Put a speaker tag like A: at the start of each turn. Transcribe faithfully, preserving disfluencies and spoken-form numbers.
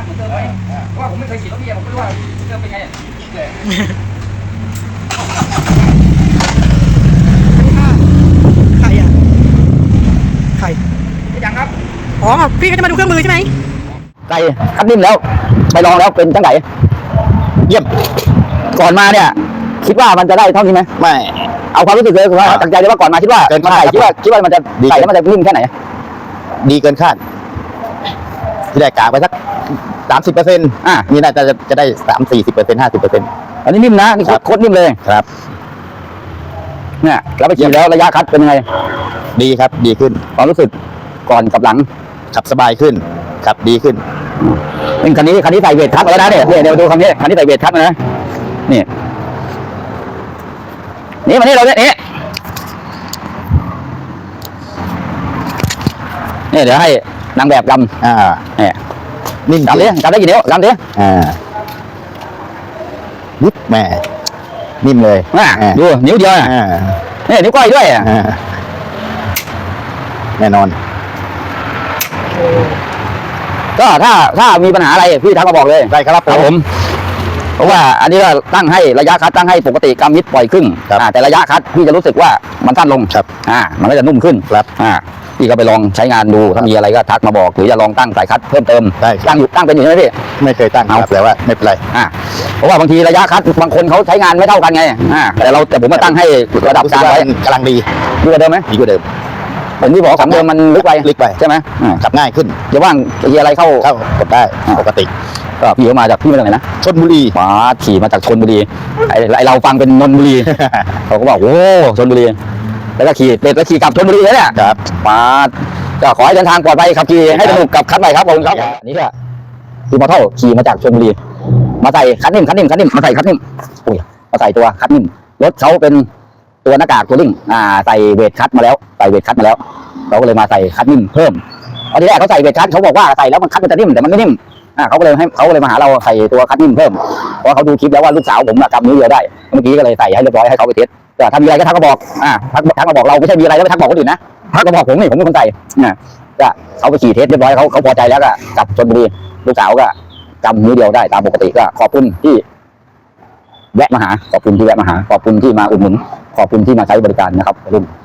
A: ผมเติมไหมเพราะว่าผมไม่เคยขี่รถพี่ผมไม่รู้ว่าเติมเป็นไง
B: ใครอ่ะใคร
A: ยังครับ
B: อ๋อพี่ก็จะมาดูเครื่องมือใช่ไหม
C: ไก่คัดนิ่มแล้วไปลองแล้วเป็นจังไงเยี่ยมก่อนมาเนี่ยคิดว่ามันจะได้เท่านี้ไหมไม่เอาความรู้สึกเลยคือว่าตั้งใจเลยว่าก่อนมาคิดว่าเกินคาดคิดว่าคิดว่ามันจะไก่แล้วมันจะนิ่มแค่ไหนดีเกินคาดที่ได้กาไปสักสามสิบเปอร์เซ็นต์อ่ะนี่น่าจะจะได้สามสี่สิบเปอร์เซ็นต์ห้าสิบเปอร์เซ็นต์อันนี้นิ่มนะนี่โคตรนิ่มเลยครับเนี่ยแล้วไปขี่แล้วระยะคัดเป็นยังไงดีครับดีขึ้นความรู้สึกก่อนกับหลังขับสบายขึ้นขับดีขึ้นนี่คันนี้คันนี้ใส่เวททักแล้วนะเนี่ยเดี๋ยวดูคันนี้คันนี้ใส่เวททักนะนี่นี่มานี่เราเนี่ยนี่นี่เดี๋ยวให้นางแบบกำอ่าเนี่ยนิ่มกำดิกำได้กี่นิ้วกำดิอ่านิดแม่นิ่มเลยอ่าดูนิ้วเดียวอ่ะนี่นิ้วก้อยด้วยอ่ะแน่นอนก็ถ้าถ้ามีปัญหาอะไรพี่ทักมาบอกเลยได้ครับผมเพราะว่าอันนี้ก็ตั้งให้ระยะคัดตั้งให้ปกติกำมิดปล่อยครึ่งแต่ระยะคัดพี่จะรู้สึกว่ามันสั้นลงครับอ่ามันก็จะนุ่มขึ้นครับอ่าพี่ก็ไปลองใช้งานดูถ้ามีอะไรก็ทักมาบอกหรือจะลองตั้งสายคัดเพิ่มเติมได้ตั้งอยู่ตั้งเป็นอยู่ใช่ไหมพี่ไม่เคยตั้งครับแต่ว่าไม่เป็นไรอ่าเพราะว่าบางทีระยะคัดบางคนเขาใช้งานไม่เท่ากันไงอ่าแต่เราแต่ผมมาตั้งให้ระดับกลางไว้กำลังดีดีกว่าเดิมไหมดีกว่าเดิมผมที่บอกของเดิมมันลึกไปลึกไปใช่ไหมขับง่ายขึ้นจะว่างจะอะไรเข้าเข้ากดได้ปกติก็พี่เขามาจากพี่มาจากไหนนะชลบุรีมาขี่มาจากชลบุรีไอเราฟังเป็นนนทบุรีเขาก็บอกโอ้ชลบุรีแล้วก็ขี่เป็ดแล้วขี่กลับชลบุรีเลยเนี่ยครับมาก็ขอให้เดินทางปลอดภัยขับขี่ให้สนุกกับคัดใหม่ครับผมครับนี่ก็คือมอเตอร์ขี่มาจากชลบุรีมาใส่คัดนิ่มคัดนิ่มคัดนิ่มมาใส่คัดนิ่มอุ้ยมาใส่ตัวคัดนิ่มรถเขาเป็นตัวหน้ากากตัวลิ่งอ่าใส่เวทคัดมาแล้วใส่เวทคัดมาแล้วเราก็เลยมาใส่คัดนิ่มเพิ่มตอนที่แรกเขาใส่เวทคัดเขาบอกว่าใส่แล้วมันคัดมันจะนิ่มแต่มันไม่นิ่มอ่าเขาก็เลยให้เขาก็เลยมาหาเราใส่ตัวคัดนิ่มเพิ่มเพราะเขาดูคลิปแล้วว่าลูกสาวผมกำนิ้วเดียวได้เมื่อกี้ก็เลยใส่ให้เรียบร้อยให้เขาไปเทสแต่ถ้ามีอะไรก็ทักมาบอกอ่าทักทักมาบอกเราไม่ใช่มีอะไรแล้วไปทักบอกคนอื่นนะทักมาบอกผมนี่ผมเป็นคนใส่นะก็เขาไปขี่เทสเรียบร้อยเขาเขาพอใจแล้วก็กลับชลบุรีลูกสาวก็กำนิ้วเดียวได้ตามปกติก็ขอบคุณที่แวะมาหาขอบคุณที่แวะมาหาขอบคุณที่มาอุดหนุนขอบคุณที่มาใช้บริการนะครับรุ่น